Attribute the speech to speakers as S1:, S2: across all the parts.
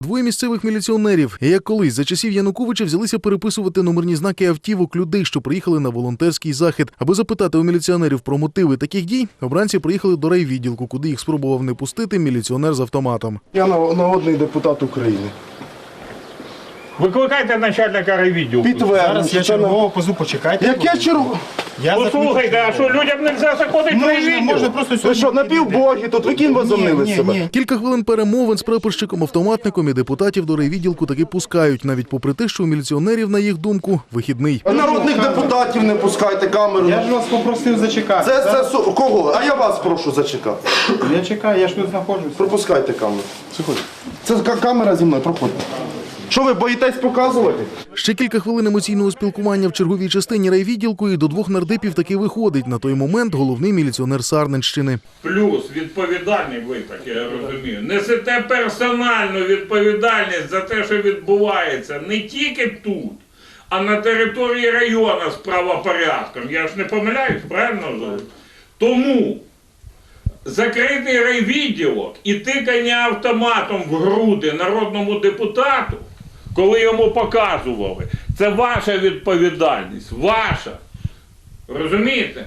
S1: Двоє місцевих міліціонерів, як колись за часів Януковича, взялися переписувати номерні знаки автівок людей, що приїхали на волонтерський захід. Аби запитати у міліціонерів про мотиви таких дій, обранці приїхали до райвідділку, куди їх спробував не пустити міліціонер з автоматом.
S2: Я народний депутат України.
S3: Викликайте начальника райвідділку.
S2: Підтверджую.
S4: Я чергового позу, почекайте.
S2: Яке чергове?
S3: Послухайте, а що людям не можна заходити в райвідділ?
S4: Можна просто
S2: Ви
S4: сьогодні...
S2: що, напівбоги тут? Ви ким возомнили себе?
S1: Кілька хвилин перемовин з прапорщиком-автоматником і депутатів до райвідділку таки пускають, навіть попри те, що у міліціонерів, на їх думку, вихідний.
S2: А народних депутатів не пускайте камеру.
S4: Я ж вас попросив зачекати.
S2: Це кого? А я вас прошу зачекати.
S4: Я чекаю, я ж тут знаходжусь.
S2: Пропускайте камеру. Це камера зі мною, проходьте. Що ви боїтесь показувати?
S1: Ще кілька хвилин емоційного спілкування в черговій частині райвідділку, і до двох нардепів таки виходить на той момент головний міліціонер Сарненщини.
S3: Плюс відповідальний ви, так я розумію. Несете персональну відповідальність за те, що відбувається не тільки тут, а на території району з правопорядком. Я ж не помиляюсь, правильно? Тому закритий райвідділок і тикання автоматом в груди народному депутату, коли йому показували, це ваша відповідальність, ваша. Розумієте?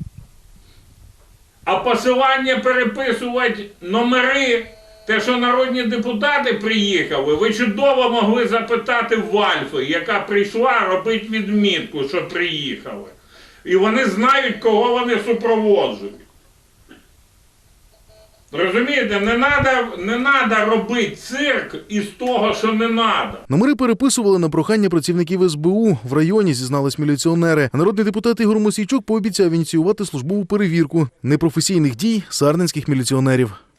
S3: А посилання переписувати номери, те, що народні депутати приїхали, ви чудово могли запитати в Альфи, яка прийшла робити відмітку, що приїхали. І вони знають, кого вони супроводжують. Розумієте, не надо робити цирк із того, що не надо.
S1: Номери переписували на прохання працівників СБУ. В районі зізнались міліціонери. А народний депутат Ігор Мосійчук пообіцяв ініціювати службову перевірку непрофесійних дій сарненських міліціонерів.